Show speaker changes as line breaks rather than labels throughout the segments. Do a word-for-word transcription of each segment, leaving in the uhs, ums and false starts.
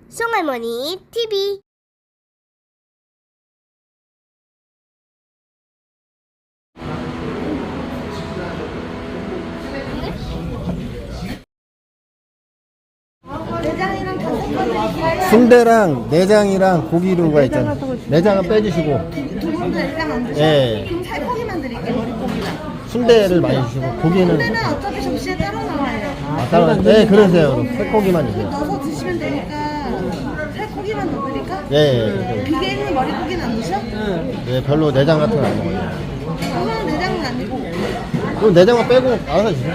송할머니 티비.
순대랑 내장이랑 고기류가 있잖아. 내장은 빼주시고.
두 분도 내장 안 드셔?
예.
그럼 살코기만 드릴게요, 머릿고기랑.
순대를 많이 주시고 고기는
순대는 어차피 접시에 따로 나와요.
아, 따로. 네, 그러세요. 그럼 살코기만 주세요.
넣어서 드시면 되니까 살코기만 넣어드릴까?
예, 예.
비계 있는 머릿고기는 안 드셔?
네, 별로 내장 같은 거 안 먹어요.
그거는 내장은 아니고.
그럼 내장만 빼고 알아서 주세요.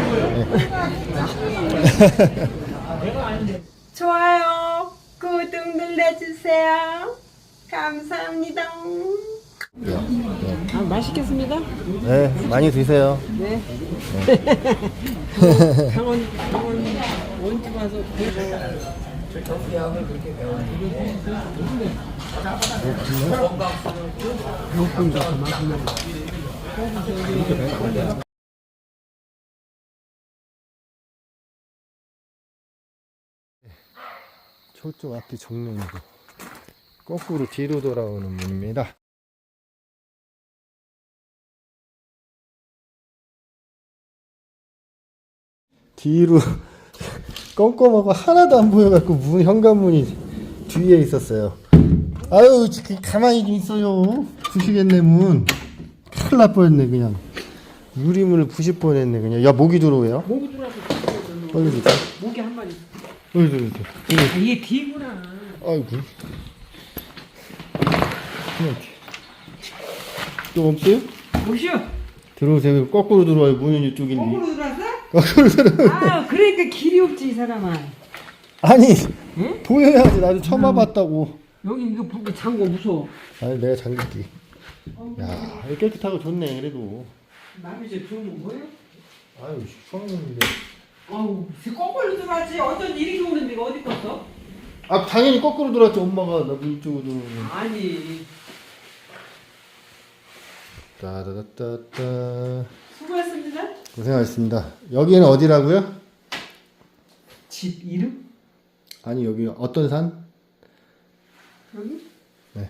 네.
좋아요, 구독 눌러주세요. 감사합니다. 아, 맛있겠습니다.
네, 많이 드세요.
네. 강원, 강원 원주 와서
저쪽 앞이 정면이고 거꾸로 뒤로 돌아오는 문입니다. 뒤로 껌껌하고 하나도 안 보여갖고 문 현관문이 뒤에 있었어요. 아유 가만히 좀 있어요. 부시겠네 문. 큰일 날 뻔했네 그냥. 유리문을 부실 뻔했네 그냥. 야 모기 들어오요?
모기 들어와서
빨리 주자.
모기 한 마리.
어이 들어 들어.
아, 이게 뒤구나.
아이고. 그냥 또 없어요?
오시오.
들어오세요. 거꾸로 들어와요. 문은 이쪽인데.
거꾸로 들어왔어?
거꾸로 들어.
아, 그러니까 길이 없지, 이 사람아.
아니
응?
보여야지. 나도 처음 와봤다고.
여기 이거 보기 장고 무서워.
아니 내가 잠글게. 야 이거 깨끗하고 좋네 그래도.
남이 제 좋은 거 뭐예요?
아유 시원한데.
아우, 거꾸로 들어왔지. 어쩐 일이 오는데 이거 어디 갔어?
아 당연히 거꾸로 들어왔지. 엄마가 나 문 쪽으로 들어오면.
아니,
따다다따따.
수고했습니다.
고생하셨습니다. 여기는 어디라고요?
집 이름?
아니 여기 어떤 산?
여기?
네.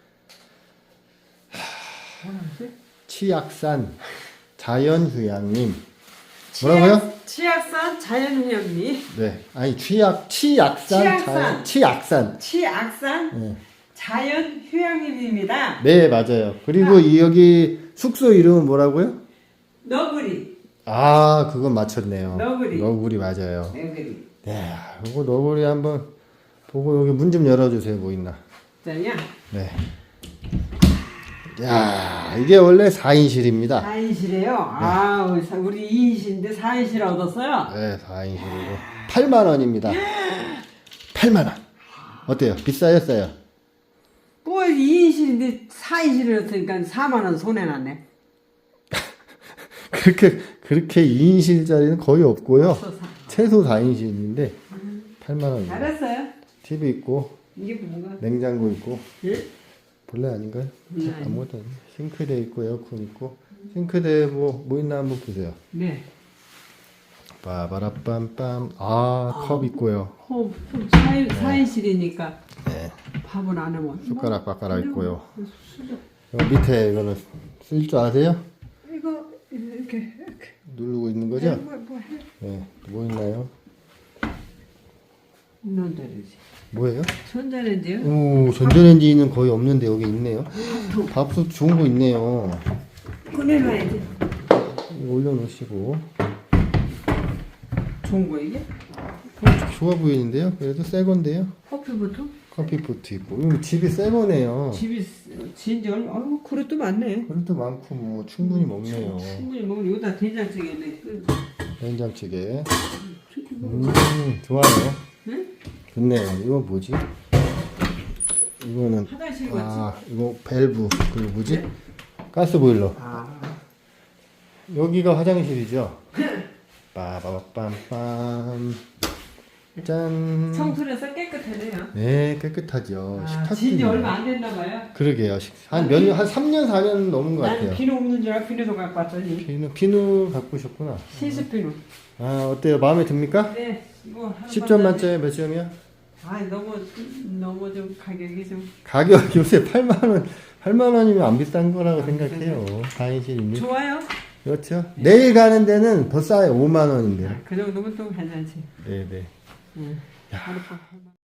뭐라지?
치악산 자연휴양림. 뭐라고요?
치악산 자연휴양림.
네. 아니 취약 치악산
치악산.
자연 치악산.
치악산
네.
자연휴양림입니다.
네 맞아요. 그리고 이 여기 숙소 이름은 뭐라고요?
너구리.
아 그건 맞췄네요.
너구리.
너구리 맞아요.
너구리.
네. 이거 너구리 한번 보고 여기 문 좀 열어주세요. 뭐 있나?
자냐?
네. 야 이게 원래 사 인실입니다.
사 인실이에요? 아, 우리 이 인실인데 사 인실 얻었어요?
네 사 인실이고 팔만 원입니다. 팔만 원. 어때요? 비싸요? 싸요?
뭐 이 인실인데 사 인실이었으니까 사만 원 손해났네.
그렇게 그렇게 이 인실짜리는 거의 없고요.
없어, 사.
최소 사 인실인데 팔만 원.
알았어요.
티비 있고
이게 뭔가?
냉장고 있고
예?
본래 아닌가요?
네.
아무것도 아니에요. 싱크대 있고 에어컨 있고 싱크대 뭐 뭐 있나 한번 보세요.
네.
빠바라빰빰 아 컵 있고요.
어, 사 인, 사 인실이니까
네.
밥은 안 하면
숟가락 바가락 있고요.
수저.
여기 밑에 이거는 쓸 줄 아세요?
이거 이렇게 이렇게
누르고 있는 거죠?
뭐, 뭐 해?
네. 뭐 있나요?
전자레인지.
뭐예요?
전자레인지요?
오 전자레인지는 거의 없는데 여기 있네요. 밥솥 좋은 거 있네요.
꺼내놔야지.
이거 올려놓으시고
좋은 거 이게?
어, 좋아 보이는데요? 그래도 새 건데요?
커피부터?
커피포트 있고 이거 집이 새 거네요.
집이 진지 얼마? 아유, 그릇도 많네.
그래도 많고 뭐 충분히 먹네요.
충분히 먹으면 여기다 된장찌개네. 그,
된장찌개. 음 좋아요.
응?
좋네요. 이거 뭐지? 이거는
화장실 같지?
아 이거 밸브 그리고 뭐지? 가스 보일러.
아,
여기가 화장실이죠? 빠바밤빰 짠.
청소를 해서 깨끗하네요.
네 깨끗하죠.
아,
식탁도
진지
있네요.
얼마 안 됐나 봐요.
그러게요. 한 몇 년, 한 삼 년, 사 년 넘은 것
난
같아요.
비누 없는 줄 알고 비누도 갖고 왔더니
비누, 비누 갖고 오셨구나.
시스 비누.
아, 어때요? 마음에 듭니까?
네, 이거 한
십 점
번
만점에 몇 점이야?
아 너무 너무 좀 가격이 좀
가격 요새 팔만 원, 팔만 원이면 안 비싼 거라고 생각해요. 사인실이면.
좋아요.
그렇죠. 내일 가는 데는 더 싸요. 오만 원인데요.
그 정도면 또 괜찮지.
네네.
응. 하룻밤 팔만 원.